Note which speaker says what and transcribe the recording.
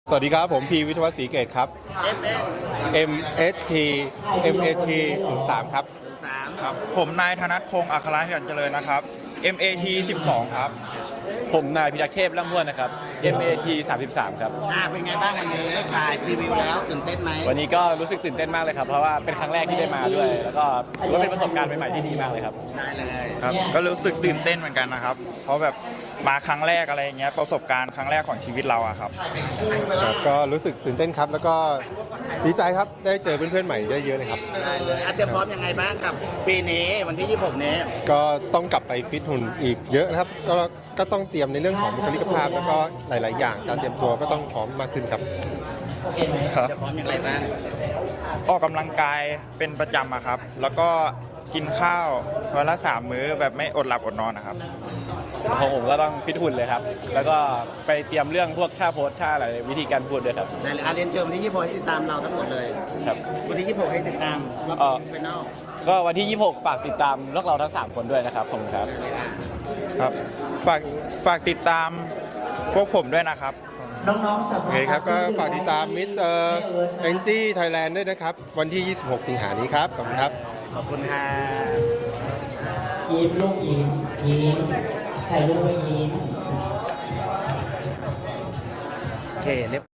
Speaker 1: สวัสดีครับผมพีวิทยวัฒน์ศรีเกตครับ MST MAT 03ครับ
Speaker 2: ครับผมนายธนัทพงศ์อัครเหียรเจริญนะครับ MAT 12ครับ
Speaker 3: ผมนายพิทักษ์เทพร่ำห้วนนะครับ MAT 33ครับ
Speaker 4: เป็นไงบ้างวันนี้ถ่ายพรีวิวแล้วตื่นเต้นไหม
Speaker 3: วันนี้ก็รู้สึกตื่นเต้นมากเลยครับเพราะว่าเป็นครั้งแรกที่ได้มาด้วยแล้วก็ถือว่าเป็นประสบการณ์ใหม่ๆที่ดีมากเลยครับ
Speaker 4: ได้เลย
Speaker 2: ครับก็รู้สึกตื่นเต้นเหมือนกันนะครับ เพราะแบบมาครั้งแรกอะไรอย่างเงี้ยประสบการณ์ครั้งแรกของชีวิตเราอะครับ
Speaker 1: ก็รู้สึกตื่นเต้นครับแล้วก็ดีใจครับได้เจอเพื่อนๆใหม่เยอะๆเลยครับ
Speaker 4: ได้เลยเตรียมพร้อมยังไงบ้างกับปีนี้วันที่26นี้
Speaker 1: ก็ต้องกลับไปฟิตหุ่นอีกเยอะนะครับก็ต้องเตรียมในเรื่องของบุคลิกภาพแล้วก็หลายๆอย่างการเตรียมตัวก็ต้องพร้อมมากขึ้นครับ
Speaker 2: ครับ
Speaker 4: จะพร้อมยังไงบ้าง
Speaker 2: ออกกำลังกายเป็นประจำอะครับ แล้วก็กินข้าววันละ3 มื้อแบบไม่อดหลับอดนอนนะครับ
Speaker 3: ของผมก็ต้องฟิตหุ่นเลยครับแล้วก็ไปเตรียมเรื่องพวกท่าโพสท่าอะไรวิธีการพูดด้วยครับ
Speaker 4: ได้เลยเรียนเชิญวันที่26ให้ติดตามเราทั้งหมดเลย
Speaker 3: ครับ
Speaker 4: วันที่26ให้ติดตามรอบ
Speaker 3: เอ่อ
Speaker 4: ไฟนอล
Speaker 3: ก็วันที่ 26 ฝากติดตามพวกเราทั้ง 3 คนด้วยนะครับขอบคุณครับ
Speaker 2: ครับฝากติดตามพวกผมด้วยนะครับ
Speaker 1: โอเคครับก็ฝากติดตามมิสแองจี้ไทยแลนด์ด้วยนะครับวันที่ 26 สิงหานี้ครับขอบคุณครับ
Speaker 4: ขอบคุณค่ะ
Speaker 5: ยิ้มลูกยิ้มยิ้มถ่ายรูปไว้ยิ้ม
Speaker 4: โอเคเรียบ